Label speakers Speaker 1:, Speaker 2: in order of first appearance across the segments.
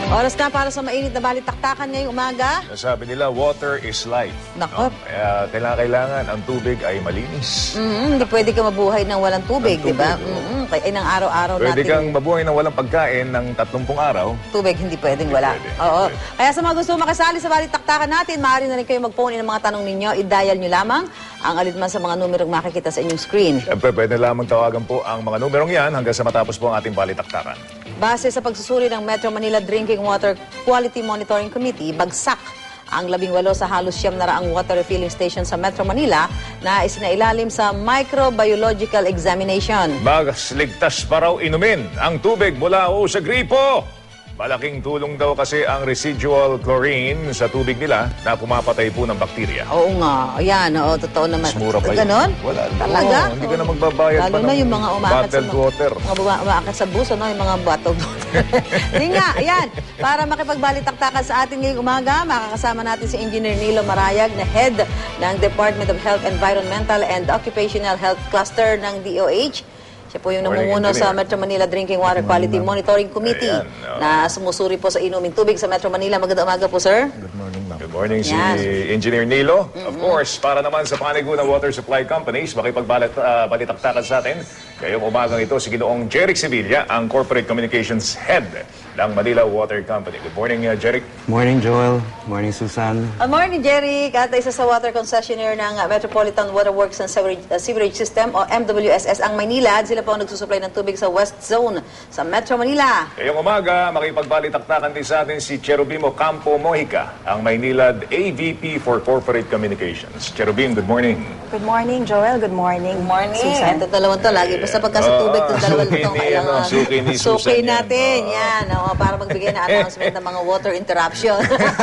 Speaker 1: Oras na para sa mainit na balitaktakan ngayong umaga.
Speaker 2: Sabi nila, water is life.
Speaker 1: Nako.
Speaker 2: Kaya kailangan ang tubig ay malinis.
Speaker 1: Hindi pwede ka mabuhay ng walang tubig, di ba? Kaya ng araw-araw natin.
Speaker 2: Pwede kang mabuhay ng walang pagkain ng 30 araw.
Speaker 1: Tubig, hindi pwedeng wala.
Speaker 2: Pwede,
Speaker 1: Oo.
Speaker 2: pwede.
Speaker 1: Kaya sa mga gusto makasali sa balitaktakan natin, maaari na rin kayo mag-phone in ng mga tanong ninyo. I-dial nyo lamang ang alinman sa mga numerong makikita sa inyong screen.
Speaker 2: Siyempre, pwede lamang tawagan po ang mga numerong yan hanggang sa matapos po ang ating balitaktakan.
Speaker 1: Base sa pagsusuri ng Metro Manila Drinking Water Quality Monitoring Committee, bagsak ang 18 sa halos 900 water refilling station sa Metro Manila na isinailalim sa microbiological examination.
Speaker 2: Mas ligtas pa raw inumin ang tubig mula sa gripo. Malaking tulong daw kasi ang residual chlorine sa tubig nila na pumapatay po ng bakterya.
Speaker 1: Oo nga. Ayan, oo, totoo naman.
Speaker 2: Mas mura pa yun.
Speaker 1: Ganon?
Speaker 2: Wala.
Speaker 1: Talaga?
Speaker 2: Hindi ka na magbabayad
Speaker 1: lalo
Speaker 2: pa
Speaker 1: na
Speaker 2: ng
Speaker 1: yung mga umaakit
Speaker 2: bottled water.
Speaker 1: Mga umaakit sa bus, ano, yung mga bottled water. Hindi nga, ayan. Para makipagbalitaktakan sa atin ngayong umaga, makakasama natin si Engineer Nilo Marayag na Head ng Department of Health, Environmental and Occupational Health Cluster ng DOH. Siya po yung namumuno sa Metro Manila Drinking Water Quality Monitoring Committee na sumusuri po sa inuming tubig sa Metro Manila. Magandang umaga po, sir.
Speaker 3: Good morning, ma'am.
Speaker 2: Good morning, si Engineer Nilo. Of course, para naman sa panigo ng water supply companies, makipagbalita-taktakan sa atin. Ngayong umagang ito, si Ginoong Jeric Sevilla, ang Corporate Communications Head ng Manila Water Company. Good morning, Jeric.
Speaker 3: Morning, Joel. Morning, Susan.
Speaker 1: Good morning, Jeric. At isa sa water concessionaire ng Metropolitan Water Works and Sewerage System o MWSS ang Maynilad. Sila po ang nagsusupply ng tubig sa West Zone sa Metro Manila.
Speaker 2: Ngayong umaga, makipagbalitaktakan din sa atin si Cherubimo Campo Mojica, ang Maynilad AVP for Corporate Communications. Cherubim, good morning.
Speaker 4: Good morning, Joel. Good morning.
Speaker 1: Good morning.
Speaker 4: Susan.
Speaker 1: Ito dalawang to, lagi basta pagka sa tubig, itong dalawang itong kailangan.
Speaker 2: Suki ni Susan
Speaker 1: Suki
Speaker 2: yan.
Speaker 1: natin, yan. Para magbigay na announcement ng mga water interruption.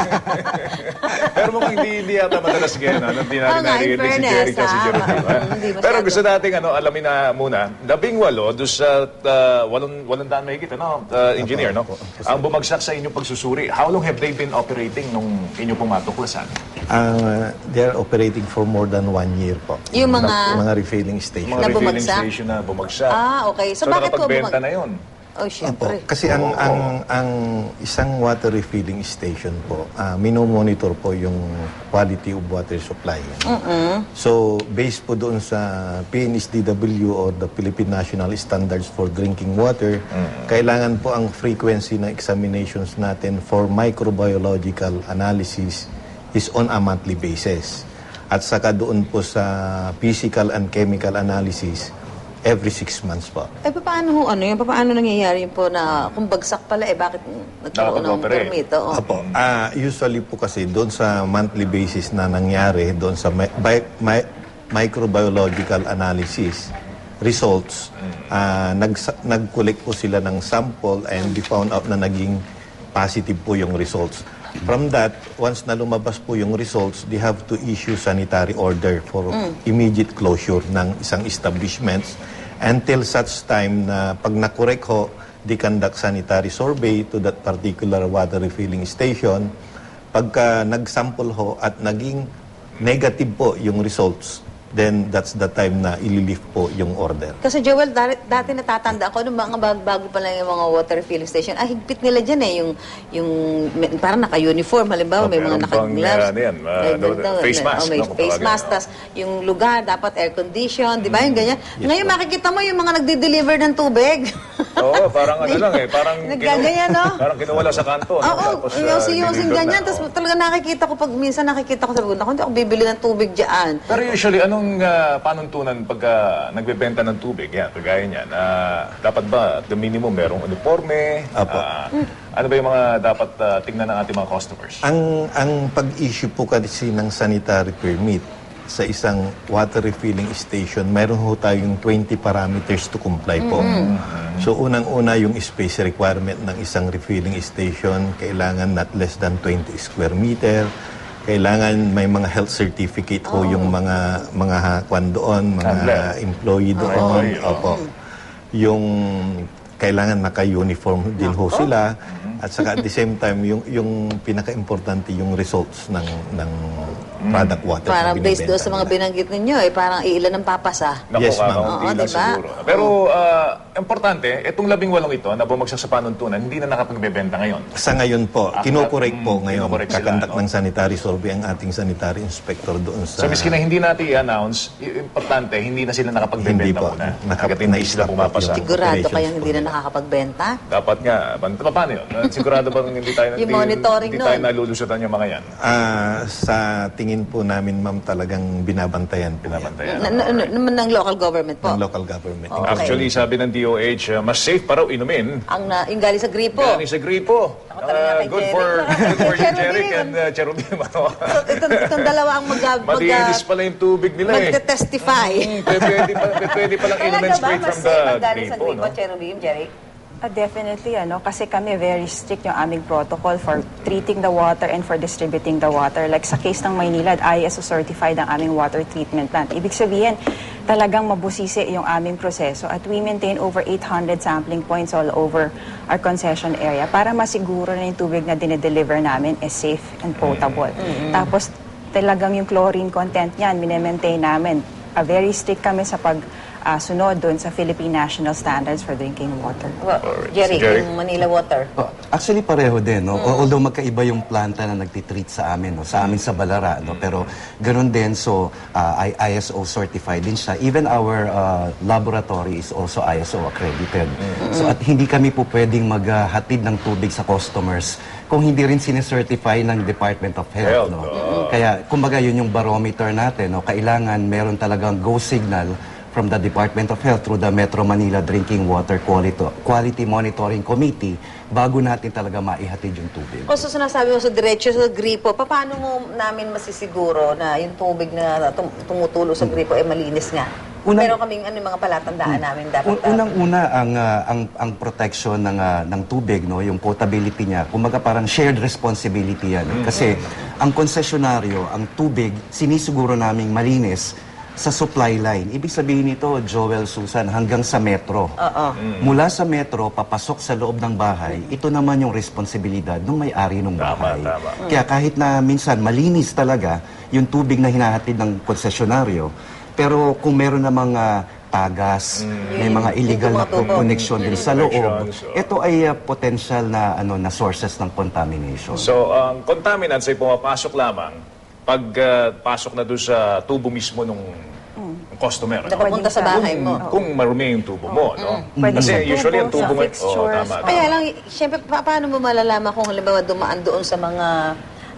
Speaker 2: Pero mukhang hindi yata madalas ganyan. Hindi natin naririnig si Jeric at si Cherubim. Pero gusto natin alamin na muna, 18 doon sa 800 mahigit, engineer, no? Ang bumagsak sa inyong pagsusuri, how long have they been operating nung inyong pong matuklasan?
Speaker 3: They're operating for more than 1 year po.
Speaker 1: Yung mga
Speaker 3: refilling station.
Speaker 2: Mga
Speaker 1: Na
Speaker 2: refilling
Speaker 1: bumagsak?
Speaker 2: station na bumagsak.
Speaker 1: Okay. So bakit ko
Speaker 2: nakapagbenta na yun?
Speaker 1: Oh, syempre.
Speaker 3: Kasi ang isang water refilling station po, minomonitor po yung quality of water supply. So, based po doon sa PNSDW or the Philippine National Standards for Drinking Water, kailangan po ang frequency ng examinations natin for microbiological analysis is on a monthly basis. At saka doon po sa physical and chemical analysis, every 6 months po.
Speaker 1: Paano nangyayari yun po na kung bagsak pala, bakit nagkaroon ng permit?
Speaker 3: Apo, usually po kasi doon sa monthly basis na nangyari, doon sa microbiological analysis results, nag-collect po sila ng sample and we found out na naging positive po yung results. From that, once na lumabas po yung results, they have to issue sanitary order for immediate closure ng isang establishments until such time na pag na-correct ho, they conduct sanitary survey to that particular water refilling station. Pagka nag-sample ho at naging negative po yung results, then that's the time na ililift po yung order.
Speaker 1: Kasi Joel, dati natatanda ako, nung mga bago pa lang yung mga water refilling station, higpit nila dyan yung parang naka-uniform, halimbawa, may mga naka-gloves.
Speaker 2: Face mask.
Speaker 1: May face mask, tas yung lugar, dapat air-condition, di ba yung ganyan?
Speaker 3: Yes,
Speaker 1: ngayon, makikita mo yung mga nagde-deliver ng tubig.
Speaker 2: Oo, parang parang
Speaker 1: nagkaganyan, no?
Speaker 2: Parang kinuwala sa kanto.
Speaker 1: Oo, yung ganyan, tapos talaga nakikita ko, minsan nakikita ko, sabi ko, hindi ako bibili ng tubig dyan.
Speaker 2: Pero usually, anong panuntunan pagka nagbebenta ng tubig? Yan, kagaya niyan. Dapat ba, the minimum, merong uniforme? Ano ba yung mga dapat tingnan ng ating mga customers?
Speaker 3: Ang pag-issue po kasi ng sanitary permit sa isang water refilling station, mayroon ho tayong 20 parameters to comply po. So, unang-una yung space requirement ng isang refilling station, kailangan not less than 20 square meter. Kailangan may mga health certificate ho yung mga kwan doon, mga employee doon. Opo. Yung kailangan naka-uniform din ho sila. At saka at the same time, yung pinaka-importante yung results ng product water
Speaker 1: Parang
Speaker 3: na
Speaker 1: based doon
Speaker 3: binibenta
Speaker 1: sa mga
Speaker 3: nila.
Speaker 1: binanggit ninyo, parang iilan ang papasa.
Speaker 2: Naku,
Speaker 3: Yes, ma'am.
Speaker 2: kakaunti
Speaker 1: Oo,
Speaker 2: lang
Speaker 1: diba?
Speaker 2: siguro. Pero importante, itong 18 ito na bumagsak sa panuntunan, hindi na nakapagbebenta ngayon.
Speaker 3: Sa ngayon po, kinukorek po ngayon,
Speaker 2: kinukorek sila,
Speaker 3: kakandak
Speaker 2: no?
Speaker 3: ng sanitary survey ang ating sanitary inspector doon sa...
Speaker 2: So, miski na hindi natin i-announce, importante, hindi na sila
Speaker 3: Hindi
Speaker 2: nakapagbebenta
Speaker 3: po.
Speaker 2: muna. Hanggat hindi sila
Speaker 3: Na-stop
Speaker 2: pumapasa.
Speaker 3: yung-
Speaker 1: Sigurado
Speaker 3: operations
Speaker 1: kayong hindi
Speaker 3: po
Speaker 1: na
Speaker 3: nila.
Speaker 1: nakakapagbenta?
Speaker 2: Dapat nga. Paano yun? Sigurado bang hindi tayo,
Speaker 1: Yung monitoring
Speaker 2: hindi tayo
Speaker 1: nun.
Speaker 2: nalulusutan yung mga yan?
Speaker 3: Sa tingin po namin, ma'am, talagang binabantayan po yan
Speaker 2: Binabantayan.
Speaker 1: Ng local government po.
Speaker 3: ng local government.
Speaker 1: Okay.
Speaker 2: Actually, sabi ng DOH, mas safe pa raw inumin.
Speaker 1: Yung galing sa gripo.
Speaker 2: Galing sa gripo.
Speaker 1: talaga kay
Speaker 2: Good
Speaker 1: Jerry.
Speaker 2: for you,
Speaker 1: Cherubim.
Speaker 2: Jeric and Cherubim. Ano?
Speaker 1: So, itong dalawa ang
Speaker 2: Malinis pala yung tubig nila eh.
Speaker 1: magte-testify.
Speaker 2: Pwede palang inumin straight from the
Speaker 1: Galing sa
Speaker 2: gripo,
Speaker 1: gripo,
Speaker 2: no?
Speaker 1: Cherubim, Jerry?
Speaker 4: Definitely, kasi kami very strict yung aming protocol for treating the water and for distributing the water. Like sa case ng Maynilad, ISO certified ang aming water treatment plant. Ibig sabihin, talagang mabusisi yung aming proseso at we maintain over 800 sampling points all over our concession area para masiguro na yung tubig na dinedeliver namin is safe and potable. Tapos talagang yung chlorine content niyan, minemaintain namin. Very strict kami sa sunod doon sa Philippine National Standards for Drinking Water.
Speaker 1: Well, Jerry,
Speaker 2: Jerry.
Speaker 1: yung Manila Water.
Speaker 5: Actually, pareho din. No? Although magkaiba yung planta na nagtitreat sa amin, no? Sa amin sa Balara. No? Pero ganun din, so ISO certified din siya. Even our laboratory is also ISO accredited. So at hindi kami po pwedeng maghatid ng tubig sa customers kung hindi rin sinecertify ng Department of Health. No? Kaya, kumbaga, yun yung barometer natin. No? Kailangan meron talagang go signal from the Department of Health through the Metro Manila Drinking Water Quality Monitoring Committee bago natin talaga maihatid yung tubig.
Speaker 1: O so sinasabi mo sa diretso sa gripo, paano mo namin masisiguro na yung tubig na tumutulo sa gripo ay malinis nga? Meron kaming mga palatandaan namin dapat.
Speaker 5: Unang-una ang protection ng tubig, no, yung potability niya. Kumbaga parang shared responsibility yan. Kasi ang konsesyonaryo, ang tubig sinisiguro naming malinis sa supply line. Ibig sabihin nito, Joel, Susan, hanggang sa metro. Mula sa metro, papasok sa loob ng bahay, ito naman yung responsibilidad ng may-ari ng bahay.
Speaker 2: Tama.
Speaker 5: Kaya kahit na minsan malinis talaga yung tubig na hinahatid ng konsesyonaryo, pero kung meron namang tagas, may mga illegal na connection din sa loob, ito ay potential na sources ng contamination.
Speaker 2: So, ang contaminants ay pumapasok lamang pag pasok na doon sa tubo mismo ng customer. No?
Speaker 1: Napapunta sa bahay mo.
Speaker 2: Kung marumi yung tubo mo. No?
Speaker 4: Pwede
Speaker 2: Kasi
Speaker 4: sa
Speaker 2: usually ang tubo
Speaker 4: tubo,
Speaker 2: mo...
Speaker 4: sa fixtures.
Speaker 2: Tama.
Speaker 1: Kaya lang, siyempre, paano mo malalaman kung halimbawa dumaan doon sa mga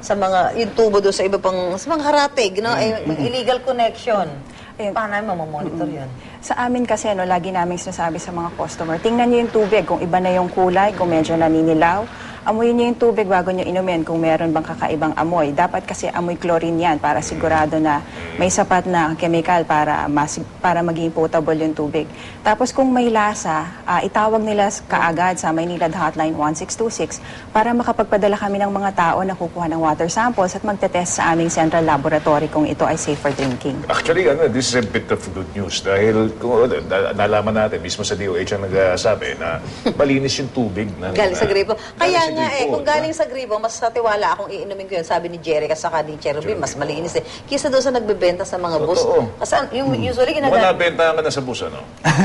Speaker 1: yung tubo doon sa iba pang, sa mga haratig, no? Illegal connection.
Speaker 4: Ayun.
Speaker 1: Paano namin mamamonitor yun?
Speaker 4: Sa amin kasi, lagi namin sinasabi sa mga customer, tingnan niyo yung tubig, kung iba na yung kulay, kung medyo naninilaw, amuyin niyo yung tubig bago niyo inumin kung meron bang kakaibang amoy. Dapat kasi amoy chlorine yan para sigurado na may sapat na chemical para maging potable yung tubig. Tapos kung may lasa, itawag nila kaagad sa Maynilad Hotline 1626 para makapagpadala kami ng mga tao na kukuha ng water samples at magtetest sa aming central laboratory kung ito ay safe for drinking.
Speaker 2: Actually, this is a bit of good news dahil nalaman natin, mismo sa DOH ang nagsasabi na malinis yung tubig.
Speaker 1: Galing sa gripo. Kaya nga
Speaker 2: gripo,
Speaker 1: kung galing sa gripo, mas satiwala akong iinumin ko yun. Sabi ni Jerry, kasi saka ni Cherubim, mas malinis eh. Kisa doon sa nagbebenta sa mga bus.
Speaker 2: Totoo.
Speaker 1: Kasi yung usually
Speaker 2: Mukhang
Speaker 1: ginagamit.
Speaker 2: nabenta ka na sa bus, ano?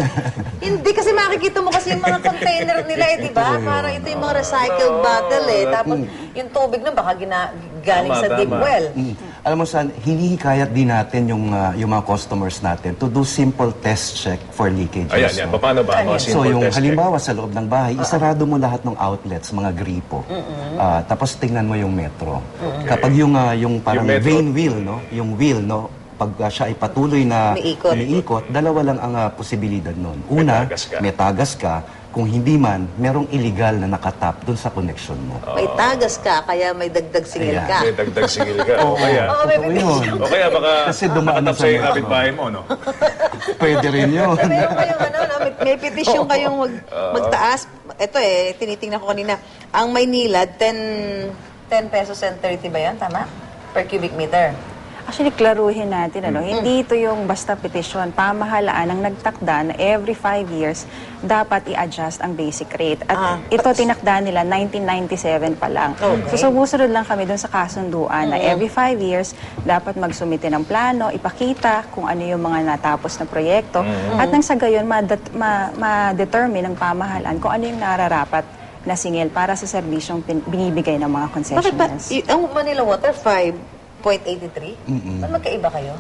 Speaker 1: Hindi kasi makikita mo kasi yung mga container nila di ba? Para ito yung mga recycled bottle eh. Tapos yung tubig na baka galing sa deep well.
Speaker 5: Alam mo saan, hinihikayat din natin yung mga customers natin to do simple test check for leakages.
Speaker 2: Ayan.
Speaker 5: no?
Speaker 2: Paano ba? Mga
Speaker 5: So
Speaker 2: simple
Speaker 5: yung
Speaker 2: test check?
Speaker 5: halimbawa sa loob ng bahay, isarado mo lahat ng outlets, mga gripo. Tapos tingnan mo yung metro. Kapag yung parang
Speaker 2: Yung metro.
Speaker 5: vein wheel, no? Yung wheel, no? Pag siya ay patuloy na umiikot, dalawa lang ang posibilidad nun. Una, may tagas ka. Kung hindi man, merong illegal na nakatap dun sa connection mo.
Speaker 1: May tagas ka, kaya may dagdag singil
Speaker 5: Ayan.
Speaker 1: ka.
Speaker 2: May dagdag singil ka. O kaya,
Speaker 5: Totoo yun.
Speaker 2: o kaya baka
Speaker 5: Kasi dumaan
Speaker 2: nakatap
Speaker 5: sa
Speaker 2: sa yung
Speaker 5: metro.
Speaker 2: kapitbahay mo, no?
Speaker 5: Pwede rin yun.
Speaker 1: Meron kayong may petition kayong magtaas. Ito tinitingnan ko kanina. Ang Maynila, 10 pesos and 30 ba yan? Tama? Per cubic meter.
Speaker 4: Actually, klaruhin natin, hindi ito yung basta petisyon. Pamahalaan ang nagtakda na every 5 years dapat i-adjust ang basic rate. At ito tinakda nila 1997 pa lang. So sumusunod lang kami dun sa kasunduan na every 5 years dapat magsumite ng plano, ipakita kung ano yung mga natapos na proyekto. At nang sa gayon, ma-determine ng pamahalaan kung ano yung nararapat na singil para sa serbisyong binibigay ng mga
Speaker 1: Bakit ba,
Speaker 4: concessionaires.
Speaker 1: ang Manila Water, 5.83? Ba't magkaiba kayo?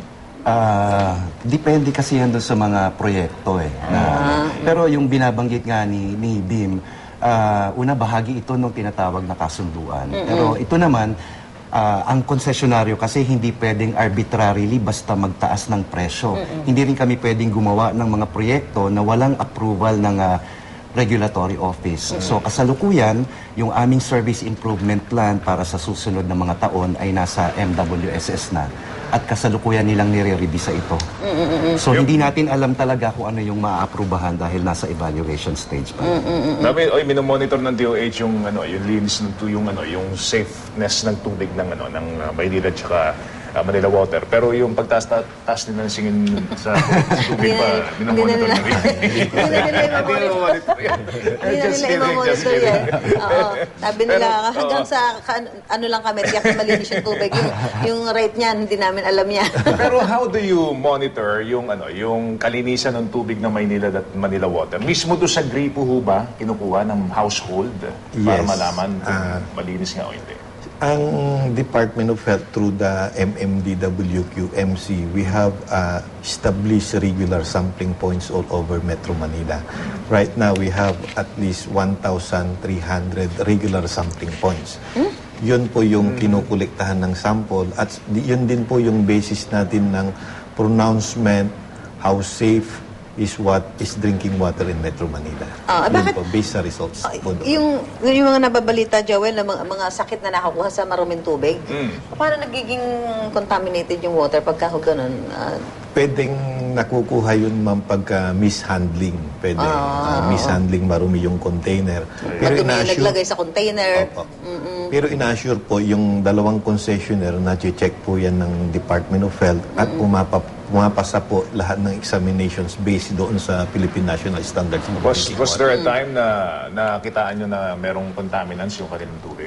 Speaker 5: Depende kasi yan doon sa mga proyekto pero yung binabanggit nga ni Bim, una bahagi ito ng tinatawag na kasunduan. Pero ito naman, ang konsesyonaryo kasi hindi pwedeng arbitrarily basta magtaas ng presyo. Hindi rin kami pwedeng gumawa ng mga proyekto na walang approval ng regulatory office. So kasalukuyan, yung aming service improvement plan para sa susunod na mga taon ay nasa MWSS na at kasalukuyan nilang nire-revisa ito. So hindi natin alam talaga kung ano yung maaaprubahan dahil nasa evaluation stage pa.
Speaker 2: Minomonitor ng DOH yung yung linis ng yung safeness ng tubig ng ng Maynila at saka Manila Water. Pero yung pagtaas nila ng singin sa tubig pa, minomonitor na rin.
Speaker 1: Hindi na nila i-monitor yan. Hindi na nila i-monitor yan. Oo. Sabi nila, hanggang sa ano lang kami, tiyak na malinis yung tubig. Yung rate niyan, hindi namin alam yan.
Speaker 2: Pero how do you monitor yung kalinisan ng tubig ng Maynila at Manila Water? Mismo doon sa gripo ho ba kinukuha ng household para
Speaker 3: Yes.
Speaker 2: malaman kung malinis nga o hindi?
Speaker 3: Ang Department of Health through the MMDWQMC, we have established regular sampling points all over Metro Manila. Right now, we have at least 1,300 regular sampling points. Yun po yung kinukolektahan ng sample at yun din po yung basis natin ng pronouncement how safe is what is drinking water in Metro Manila. Yun
Speaker 1: Bakit?
Speaker 3: po, based sa results po doon.
Speaker 1: Yung mga nababalita, Joel, na mga sakit na nakakuha sa maruming tubig, paano nagiging contaminated yung water pagka ganun?
Speaker 3: Pwedeng nakukuha yun ma'am pagka mishandling. Pwede mishandling, marumi yung container.
Speaker 1: Pero naglagay sa container.
Speaker 3: Opo. Pero ina-assure po yung dalawang concessionaire na check po yan ng Department of Health at pumapasa po lahat ng examinations based doon sa Philippine National Standards.
Speaker 2: Was there a time na nakitaan nyo na merong contaminants yung kanilang tubig?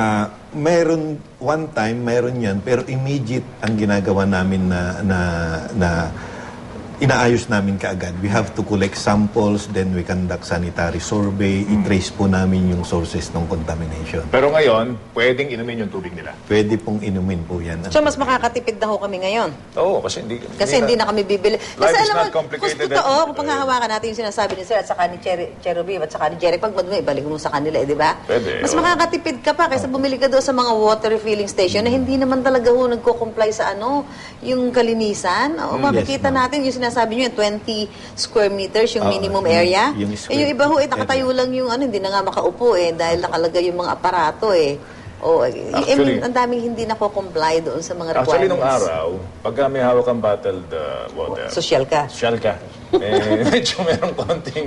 Speaker 3: One time, meron yan, pero immediate ang ginagawa namin na inaayos namin kaagad. We have to collect samples, then we conduct sanitary survey, i-trace po namin yung sources ng contamination.
Speaker 2: Pero ngayon, pwedeng inumin yung tubig nila?
Speaker 3: Pwede pong inumin po yan.
Speaker 1: So, mas makakatipid na ho kami ngayon.
Speaker 2: Oo, kasi
Speaker 1: Hindi na kami bibili.
Speaker 2: Life
Speaker 1: Kasi
Speaker 2: is
Speaker 1: alam
Speaker 2: not
Speaker 1: mo,
Speaker 2: complicated.
Speaker 1: kung totoo, kung panghahawakan natin yung sinasabi ni Sir at saka ni Cherubim at saka ni Jerry, pag madumi, ibalik mo sa kanila, di ba?
Speaker 2: Pwede,
Speaker 1: Mas
Speaker 2: oo.
Speaker 1: makakatipid ka pa kaysa bumili ka doon sa mga water refilling station na hindi naman talaga ho nagko-comply sa yung kalinisan. O, makikita
Speaker 3: Yes, ma'am.
Speaker 1: natin yung sinasabi nyo, 20 square meters yung minimum area.
Speaker 3: yung square
Speaker 1: Yung iba ho, nakatayo
Speaker 3: area.
Speaker 1: lang yung hindi na nga makaupo dahil nakalagay yung mga aparato
Speaker 2: Actually,
Speaker 1: ang daming hindi nako-comply doon sa mga requirements.
Speaker 2: Actually, nung araw, pagka may hawak ang bottled water,
Speaker 1: Social ka.
Speaker 2: social ka. Medyo merong konting,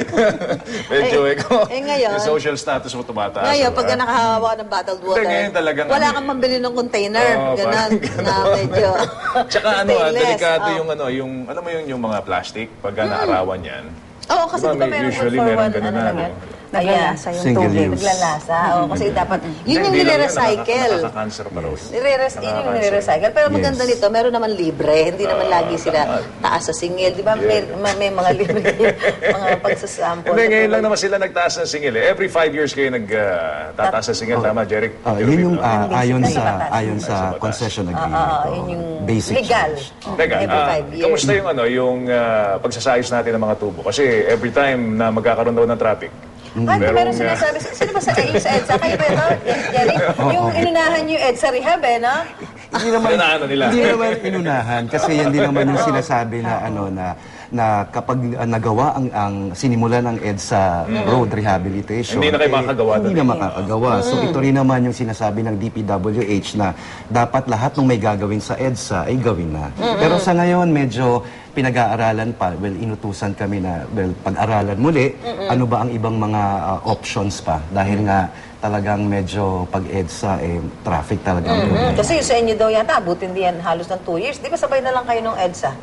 Speaker 1: ngayon,
Speaker 2: yung social status mo tumataas.
Speaker 1: Ngayon,
Speaker 2: diba?
Speaker 1: pagka nakahawak ng bottled water,
Speaker 2: Hindi, ngayon talagang
Speaker 1: wala kang mambili ng container.
Speaker 2: Oo,
Speaker 1: Ganon.
Speaker 2: parang
Speaker 1: Na medyo
Speaker 2: Tsaka
Speaker 1: stainless.
Speaker 2: delikado
Speaker 1: Oh.
Speaker 2: yung alam mo yung mga plastic, pagka naarawan yan.
Speaker 1: Oo, kasi
Speaker 2: Diba,
Speaker 1: diba meron
Speaker 2: usually
Speaker 1: for
Speaker 2: meron
Speaker 1: one,
Speaker 2: ganun na,
Speaker 1: naman?
Speaker 2: no?
Speaker 4: Naglalasa yung
Speaker 5: Single
Speaker 4: tubig.
Speaker 5: use.
Speaker 1: Naglalasa. Oo, kasi dapat, yun yung
Speaker 2: Hindi lang yan,
Speaker 1: nire-recycle.
Speaker 2: nakaka-cancer pa raw.
Speaker 1: Yun yung nire-recycle. Pero maganda nito, meron naman libre. Hindi naman lagi sila taas sa singil. Di ba? May mga libre mga pagsasample.
Speaker 2: Hindi, ngayon lang naman sila nagtaas ng singil. Every 5 years kayo nagtataas ng singil. Tama, Jeric?
Speaker 5: Yun yung ayon
Speaker 1: Hindi
Speaker 5: sa
Speaker 1: batas.
Speaker 5: ayon sa concession agreement.
Speaker 1: Yun yung
Speaker 5: Basic
Speaker 1: legal.
Speaker 5: charge.
Speaker 2: Teka,
Speaker 1: Every 5 years.
Speaker 2: kamusta yung pagsasayos natin ng mga tubo? Kasi every time na magkakaroon daw ng traffic,
Speaker 1: Meron sinasabi. Sino ba sa EDSA? Kayo ba ito, Jerry? Yung inunahan yung EDSA rehab, no?
Speaker 5: Hindi naman
Speaker 2: Inaano nila.
Speaker 5: Hindi naman inunahan kasi yan din naman yung sinasabi na na kapag nagawa ang sinimulan ng EDSA road rehabilitation,
Speaker 2: Hindi na kayo makakagawa
Speaker 5: hindi
Speaker 2: doon.
Speaker 5: na makakagawa. So ito rin naman yung sinasabi ng DPWH na dapat lahat ng may gagawin sa EDSA ay gawin na. Pero sa ngayon medyo pinag-aaralan pa, well, inutusan kami na, well, pag-aralan muli, ano ba ang ibang mga options pa. Dahil nga, talagang medyo pag EDSA, traffic talaga. ang problema.
Speaker 1: Kasi yung sa inyo daw yata, abutin din yan halos ng 2 years. Di ba sabay na lang kayo ng EDSA?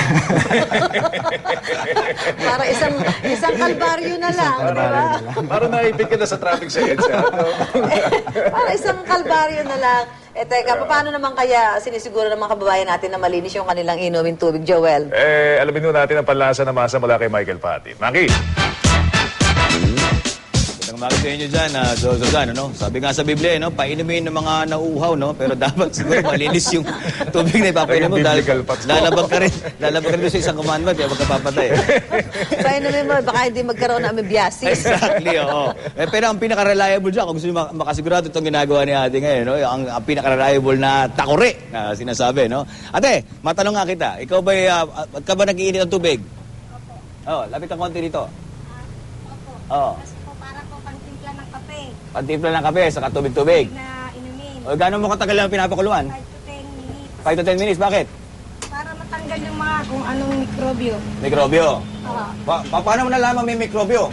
Speaker 1: Para isang kalbaryo na lang, di ba?
Speaker 2: Parang naipit ka na sa traffic sa EDSA.
Speaker 1: Para isang kalbaryo na lang. Teka, paano naman kaya sinisiguro ng mga kababayan natin na malinis yung kanilang inumin tubig, Joel?
Speaker 2: Alamin nun natin ang panlasa na masa mula kay Michael Pati. Maki!
Speaker 6: Magandang umaga sa inyo dyan, Susan, ano? Sabi nga sa Biblia, no? Painumin ng mga nauuhaw, no? Pero dapat siguro malinis yung tubig na ipapainom mo dahil
Speaker 2: biblical pa to.
Speaker 6: lalabag ka rin doon sa isang commandment, kaya magkapapatay.
Speaker 1: Painumin mo, baka hindi magkaroon ng amebiasis.
Speaker 6: Exactly, oo. Pero ang pinaka-reliable dyan, kung gusto nyo makasigurado itong ginagawa ni ate ngayon, no? Ang pinaka-reliable na takore na sinasabi, no? Ate, matanong nga kita, ikaw ba nag-iinit ng tubig? Oo. Lapit ang konti dito. Oo.
Speaker 7: Para po pangtimpla ng kape.
Speaker 6: Pagtimpla ng kape, saka tubig-tubig.
Speaker 7: Na inumin.
Speaker 6: O, gano'n mo katagal lang pinapakuluan?
Speaker 7: 5 to 10 minutes.
Speaker 6: 5 to 10 minutes, bakit?
Speaker 7: Para matanggal yung mga kung anong mikrobyo.
Speaker 6: Mikrobyo.
Speaker 7: Oo.
Speaker 6: Paano mo nalaman may mikrobyo?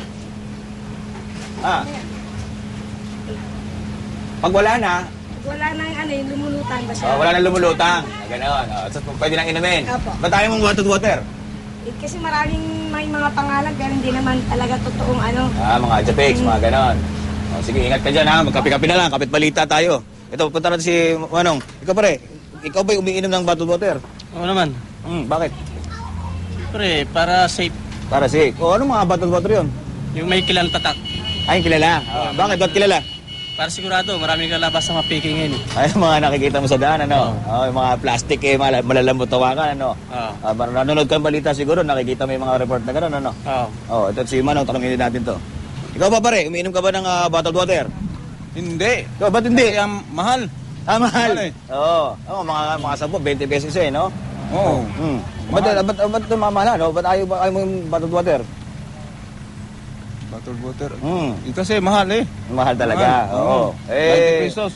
Speaker 6: Pag wala na,
Speaker 7: Wala na yung lumulutang ba siya?
Speaker 6: wala na lumulutang. Gano'n. So, pwede nang inumin.
Speaker 7: Opo.
Speaker 6: Ba't tayo mong water?
Speaker 7: Kasi maraming may mga pangalan pero hindi naman talaga totoong ano.
Speaker 6: Mga Japix, mga gano'n. Sige, ingat ka dyan ha. Magkape-kape na lang. Kapit balita tayo. Ito, punta natin si Manong. Ikaw pare, ikaw ba'y umiinom ng bottled water?
Speaker 8: Oo naman.
Speaker 6: Bakit?
Speaker 8: Pre, para safe.
Speaker 6: Para safe. Anong mga bottled water yun?
Speaker 8: Yung may kilang tatak.
Speaker 6: Ay, kilala. Bakit? Ba't kilala?
Speaker 8: Para sigurado, maraming kalabas sa mga piki ngayon.
Speaker 6: Ay, mga nakikita mo sa daan, ano? Yung mga plastic, malalambot tawakan, ano? Nanonood ka ng balita siguro, nakikita mo yung mga report na gano'n, ano?
Speaker 8: Oo.
Speaker 6: Ito si Manong, tanongin din natin to. Ikaw ba pare, umiinom ka ba ng bottled water?
Speaker 8: Hindi.
Speaker 6: Ikaw, ba't hindi?
Speaker 8: Kasi ang mahal.
Speaker 6: Mahal.
Speaker 8: Mahal eh.
Speaker 6: Oo, mga sampo, 20 pesos no?
Speaker 8: Oo.
Speaker 6: Ba't mamahal, no? Ba't ayaw mo yung bottled water?
Speaker 8: Bottled water. Kasi mahal eh.
Speaker 6: Mahal talaga,
Speaker 8: Mahal.
Speaker 6: oo.
Speaker 8: 20 pesos.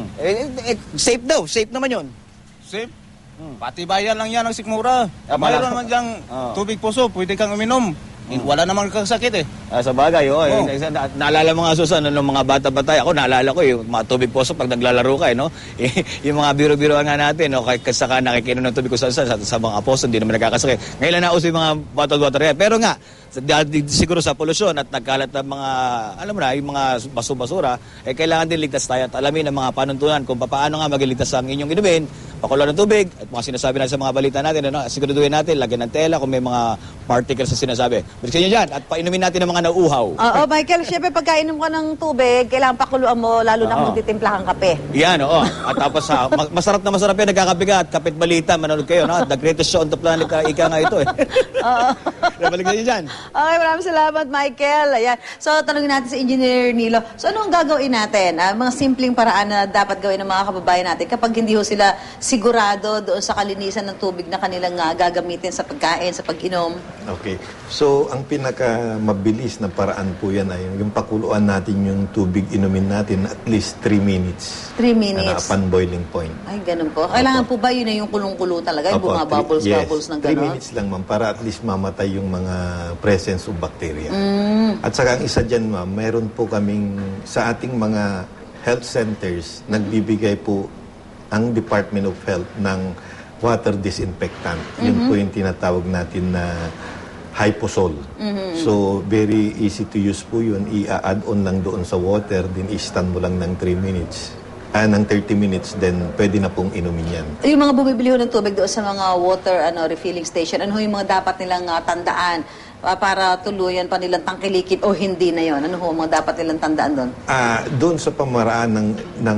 Speaker 6: Safe daw, safe naman yun.
Speaker 8: Safe. Patibayan lang yan ang sikmura.
Speaker 6: malaki.
Speaker 8: Mayroon naman dyang tubig puso, pwede kang uminom. Wala namang kasakit eh.
Speaker 6: Sa bagay,
Speaker 8: Oo.
Speaker 6: Naalala mo nga, Susan, nung mga bata-bata, ako naalala ko, yung mga tubig poso pag naglalaro ka, no? Yung mga biro-biroan nga natin, no? Kahit saka nakikinom ng tubig ko sa mga poso, hindi naman nagkakasakit. Ngayon lang nauso yung mga bottled water yan. Pero nga, siguro sa polusyon at nagkalat ng mga, alam mo na, yung mga basura, kailangan din ligtas tayo at alamin ang mga panuntunan kung paano nga magiligtas ang inyong inumin, pakulo ng tubig, at mga sinasabi natin sa mga balita natin, ano? Siguraduhin natin, lagyan ng tela kung may mga particles na sinasabi. Balikan nyo dyan at painumin natin ng mga nauuhaw.
Speaker 1: Oo, Michael, syempre pagkainom ka ng tubig, kailangan pakuluan mo, lalo na kung magtitimpla kang kape.
Speaker 6: Yan, oo. At tapos, masarap na masarap yan, nagkakape ka at kapit balita, manonood kayo, no? The greatest show on the planet, ika nga ito, eh.
Speaker 1: Oo.
Speaker 6: Balikan nyo dyan.
Speaker 1: Okay, maraming salamat, Michael. Ayan. So, tanungin natin si Engineer Nilo. So, ano ang gagawin natin? Mga simpleng paraan na dapat gawin ng mga kababayan natin kapag hindi ho sila sigurado doon sa kalinisan ng tubig na kanilang gagamitin sa pagkain, sa pag-inom?
Speaker 3: Okay. So, ang pinakamabilis na paraan po yan ay yung pakuluan natin yung tubig, inumin natin at least 3 minutes.
Speaker 1: 3 minutes.
Speaker 3: Upon boiling point.
Speaker 1: Ay, ganun po. Kailangan po ba yun na yung kulong-kulo talaga? Yung mga bubbles ng
Speaker 3: 3
Speaker 1: gano'n?
Speaker 3: minutes lang, ma'am, para at least mamatay yung mga presence of bacteria. At saka ang isa dyan, ma'am, meron po kaming sa ating mga health centers, nagbibigay po ang Department of Health ng water disinfectant. Yun po yung tinatawag natin na Hyposol. So, very easy to use po yun. I-add on lang doon sa water, then i-stand mo lang ng 3 minutes. Ng 30 minutes, then pwede na pong inumin yan.
Speaker 1: Yung mga bumibili ho ng tubig doon sa mga water refilling station, ano ho yung mga dapat nilang tandaan para tuluyan pa nilang tangkilikin o hindi na yon? Ano ho ang mga dapat nilang tandaan doon?
Speaker 3: Doon sa pamaraan ng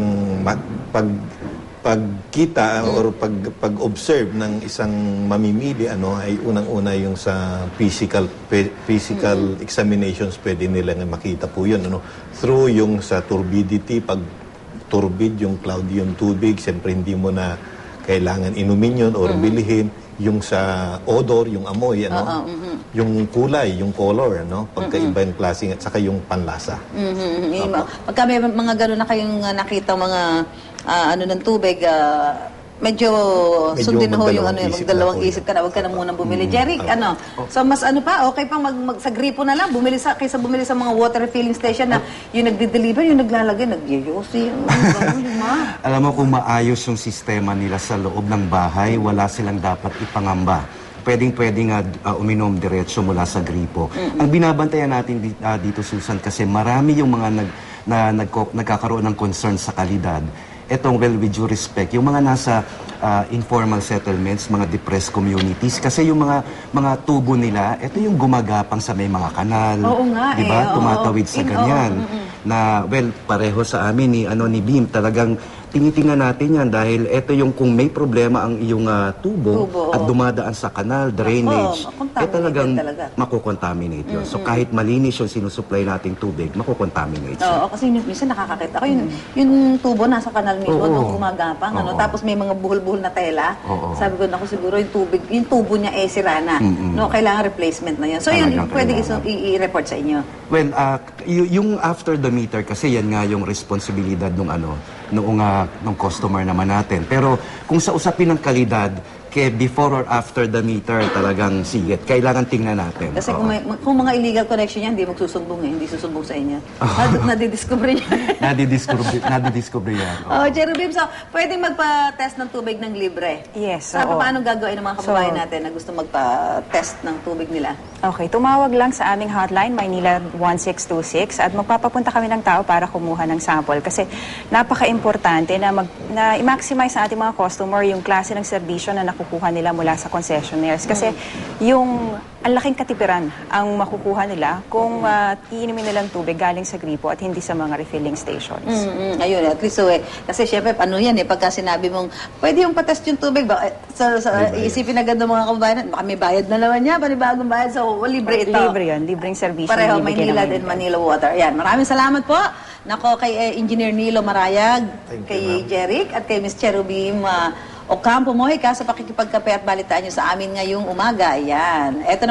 Speaker 3: pagkita or pag-observe ng isang mamimili, ay unang-una yung sa physical examinations, pwede nilang makita po yun. Through yung sa turbidity, pag turbid yung cloudy yung tubig, siyempre hindi mo na kailangan inumin yun or bilihin. Yung sa odor, yung amoy, yung kulay, yung color, pagkaiba yung klaseng at saka yung panlasa.
Speaker 1: Pagka may mga gano'n na kayong nakita mga ng tubig, medyo sundin ho yung magdalawang isip ka na, huwag ka na munang bumili. Jeric, so mas okay pang sa gripo na lang, kaysa bumili sa mga water refilling station na yung nagde-deliver, yung naglalagay, nagyayosi,
Speaker 5: Alam mo, kung maayos yung sistema nila sa loob ng bahay, wala silang dapat ipangamba. Pwedeng uminom diretso mula sa gripo. Ang binabantayan natin dito, Susan, kasi marami yung mga nagkakaroon ng concern sa kalidad. Etong, well, with due respect, yung mga nasa informal settlements, mga depressed communities, kasi yung mga tubo nila, ito yung gumagapang sa may mga kanal.
Speaker 1: Oo nga,
Speaker 5: diba? Tumatawid sa ganyan. Na, well, pareho sa amin ni Bim, talagang tinitingnan natin yan dahil ito yung kung may problema ang iyong tubo at dumadaan sa kanal, drainage, talagang makukontaminate yun. So kahit malinis yung sinusupply nating tubig, makukontaminate siya.
Speaker 1: Oo, kasi minsan nakakakita ko, yung tubo nasa kanal mismo, nung gumagapang, tapos may mga buhol-buhol na tela. Sabi ko, naku, siguro yung tubo niya sira na. Kailangan replacement na yun. So yun, pwede i-report sa inyo.
Speaker 5: Well, yung after the meter, kasi yan nga yung responsibilidad nung customer naman natin. Pero kung sa usapin ng kalidad, before or after the meter, talagang sigit. Kailangan tingnan natin.
Speaker 1: Kasi kung mga illegal connection yan, hindi magsusumbong hindi susumbong sa inyo. Nadidiscover niya.
Speaker 5: Nadidiscover yan.
Speaker 1: Cherubim, so pwedeng magpa-test ng tubig ng libre?
Speaker 4: Yes.
Speaker 1: Paano gagawin ng mga kababayan natin na gusto magpa-test ng tubig nila?
Speaker 4: Okay, tumawag lang sa aming hotline, Maynila 1626, at magpapapunta kami ng tao para kumuha ng sample. Kasi napaka-importante na i-maximize sa ating mga customer yung klase ng serbisyo na nakukuha nila mula sa concessionaires. Kasi ang laking katipiran ang makukuha nila kung iinumin nilang tubig galing sa gripo at hindi sa mga refilling stations.
Speaker 1: Ayun, at least kasi syempre, pagka sinabi mong, pwede yung patest yung tubig, isipin agad ng mga kababayan, baka may bayad na naman niya, panibagong bayad, so libre ito.
Speaker 4: Libre yun, libreng serbisyo.
Speaker 1: Pareho, Maynila and Manila Water. Yan, maraming salamat po. Nako, kay Engineer Nilo Marayag, kay Jeric, at kay Ms. Cherubim Ocampo Mojica sa pakikipagkape at balitaan nyo sa amin ngayong umaga. Yan. Eto